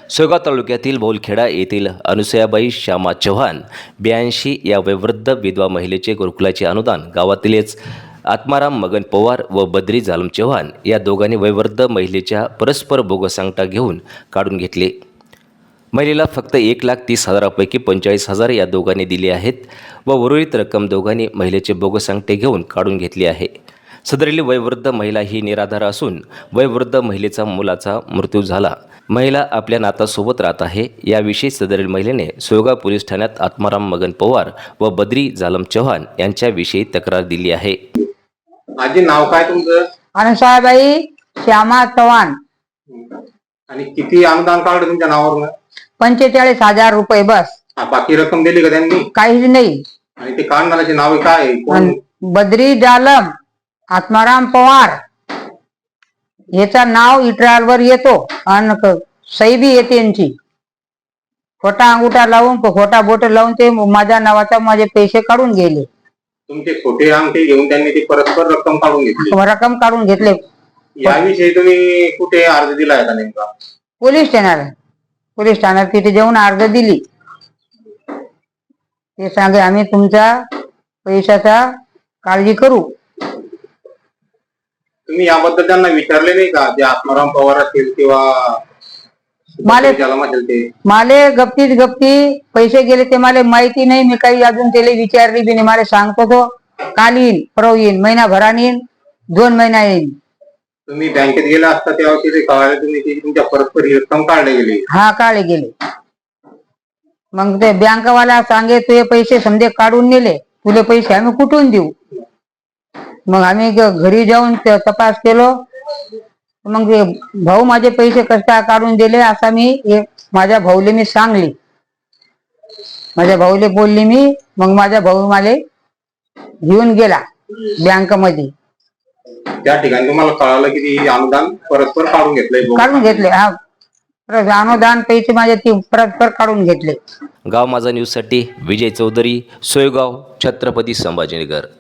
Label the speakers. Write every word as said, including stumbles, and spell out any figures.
Speaker 1: सोयगाव तालुक्यातील बोलखेडा येथील अनुसयाबाई श्यामा चव्हाण ब्याऐंशी या वयोवृद्ध विधवा महिलेचे गुरुकुलाचे अनुदान गावातीलच आत्माराम मगन पवार व बद्री जालम चव्हाण या दोघांनी वयोवृद्ध महिलेच्या परस्पर बोगस अंगठा घेऊन काढून घेतले। महिलेला फक्त एक लाख तीस हजारापैकी पंचेचाळीस हजार या दोघांनी दिले आहेत व उर्वरित रक्कम दोघांनी महिलेचे बोगस अंगठे घेऊन काढून घेतली आहे। सदरील वयोवृद्ध महिला ही निराधार असून वयोवृद्ध महिलेचा मुलाचा मृत्यू झाला। महिला आपल्या नातासोबत राहत आहे। याविषयी सदरील महिलेने सोयगाव पोलीस ठाण्यात आत्माराम मगन पवार व बद्री जालम चव्हाण यांच्याविषयी तक्रार दिली आहे।
Speaker 2: आजी नाव काय तुमचं?
Speaker 3: अनुसयाबाई श्यामा चव्हाण।
Speaker 2: आणि किती अनुदान काढलं तुमच्या नावावर?
Speaker 3: पंचेचाळीस हजार रुपये बस।
Speaker 2: बाकी रक्कम दिली का त्यांनी?
Speaker 3: काहीच नाही।
Speaker 2: आणि ते काढणाऱ्याचे नाव काय आहे? कोण?
Speaker 3: बद्री जालम आत्माराम पवार याचा नाव इट्रालवर येतो आणि सही बी येते यांची। खोटा अंगुठा लावून खोटा बोट लावून ते माझ्या नावाचा माझे पैसे काढून गेले।
Speaker 2: तुमचे खोटे अंगठे घेऊन त्यांनी ती परस्पर रक्कम काढून घेतली?
Speaker 3: रक्कम काढून घेतले।
Speaker 2: याविषयी तुम्ही कुठे अर्ज दिलाय का नेमका?
Speaker 3: पोलीस ठाण्याला पोलीस ठाण्यात तिथे जाऊन अर्ज दिली। ते सांगे आम्ही तुमचा पैशाचा काळजी करू।
Speaker 2: तुम्ही याबद्दल त्यांना विचारले नाही का? जे आत्माराम पवार असतील किंवा
Speaker 3: माले
Speaker 2: जालम असेल ते?
Speaker 3: माले गप्तीच गप्ती पैसे गेले ते मला माहिती नाही। मी काही अजून त्याला विचारली बी नाही। मला सांगतो तो काल येईन, परवा येईन, महिनाभराने येईन, दोन महिना येईन।
Speaker 2: तुम्ही बँकेत गेला असता तेव्हा तिथे कळाले तुम्ही ती तुमच्या परस्पर ही रक्कम काढली गेली?
Speaker 3: हा काढले गेले। मग ते बँकवाला सांगे तुझे पैसे समजे काढून नेले, तुले पैसे आम्ही कुठून देऊ? मग आम्ही घरी जाऊन तपास केलो। मग भाऊ माझे पैसे कस काय काढून दिले असा मी माझ्या भाऊले मी सांगली। माझ्या भाऊले बोलली मी। मग माझा भाऊ मला घेऊन गेला बँक मध्ये।
Speaker 2: त्या ठिकाणी तुम्हाला कळालं की अनुदान परस्पर काढून घेतलंय?
Speaker 3: काढून घेतले। हा अनुदान पैसे माझे ती परस्पर काढून घेतले।
Speaker 1: गाव माझा न्यूज साठी विजय चौधरी, सोयगाव, छत्रपती संभाजीनगर।